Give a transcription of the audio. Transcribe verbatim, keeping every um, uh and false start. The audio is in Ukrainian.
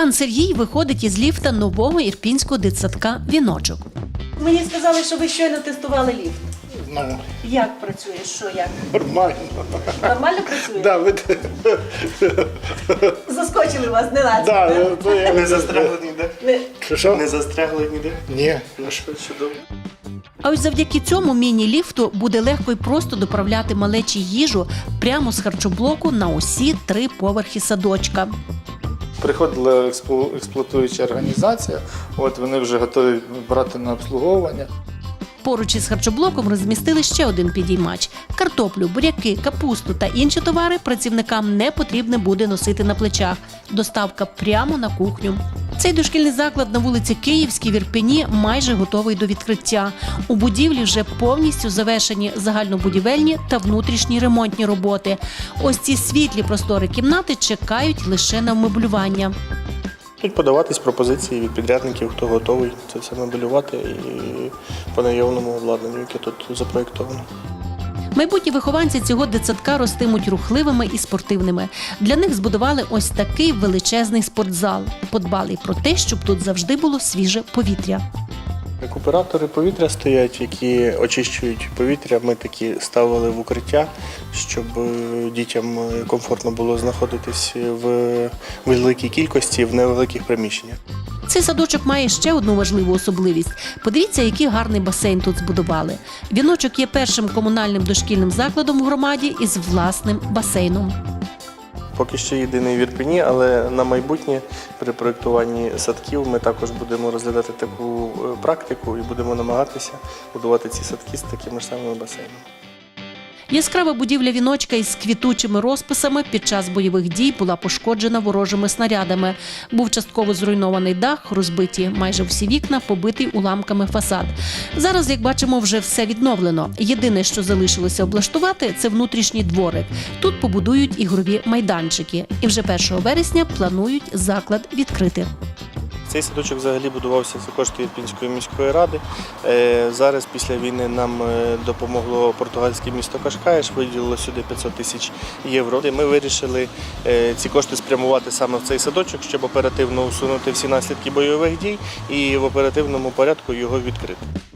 Пан Сергій виходить із ліфта нового ірпінського дитсадка «Віночок». Мені сказали, що ви щойно тестували ліфт. Ну, Як працює? Що як? нормально. Нормально працює? Да, ви... Заскочили вас, не лазить, да, так? ну, то я... Не застрягли ніде? Не. Що, що? Не застрягли ніде? Ні. Ну що, чудово. А ось завдяки цьому міні-ліфту буде легко і просто доправляти малечі їжу прямо з харчоблоку на усі три поверхи садочка. Приходила експлу- експлуатуюча організація, от вони вже готові брати на обслуговування. Поруч із харчоблоком розмістили ще один підіймач. Картоплю, буряки, капусту та інші товари працівникам не потрібно буде носити на плечах. Доставка прямо на кухню. Цей дошкільний заклад на вулиці Київській в Ірпені майже готовий до відкриття. У будівлі вже повністю завершені загальнобудівельні та внутрішні ремонтні роботи. Ось ці світлі простори кімнати чекають лише на вмеблювання. Тут подаватись пропозиції від підрядників, хто готовий це все мебелювати і по наявному обладнанню, яке тут запроєктовано. Майбутні вихованці цього дитсадка ростимуть рухливими і спортивними. Для них збудували ось такий величезний спортзал. Подбали й про те, щоб тут завжди було свіже повітря. Рекуператори повітря стоять, які очищують повітря. Ми такі ставили в укриття, щоб дітям комфортно було знаходитись в великій кількості, в невеликих приміщеннях. Цей садочок має ще одну важливу особливість. Подивіться, який гарний басейн тут збудували. «Віночок» є першим комунальним дошкільним закладом в громаді із власним басейном. Поки що єдиний в Ірпені, але на майбутнє при проєктуванні садків ми також будемо розглядати таку практику і будемо намагатися будувати ці садки з такими ж самими басейнами. Яскрава будівля «Віночка» із квітучими розписами під час бойових дій була пошкоджена ворожими снарядами. Був частково зруйнований дах, розбиті майже всі вікна, побитий уламками фасад. Зараз, як бачимо, вже все відновлено. Єдине, що залишилося облаштувати – це внутрішній дворик. Тут побудують ігрові майданчики. І вже першого вересня планують заклад відкрити. Цей садочок взагалі будувався за кошти Ірпінської міської ради. Е, Зараз після війни нам е, допомогло португальське місто Кашкаєш, виділило сюди п'ятсот тисяч євро. Ми вирішили е, ці кошти спрямувати саме в цей садочок, щоб оперативно усунути всі наслідки бойових дій і в оперативному порядку його відкрити.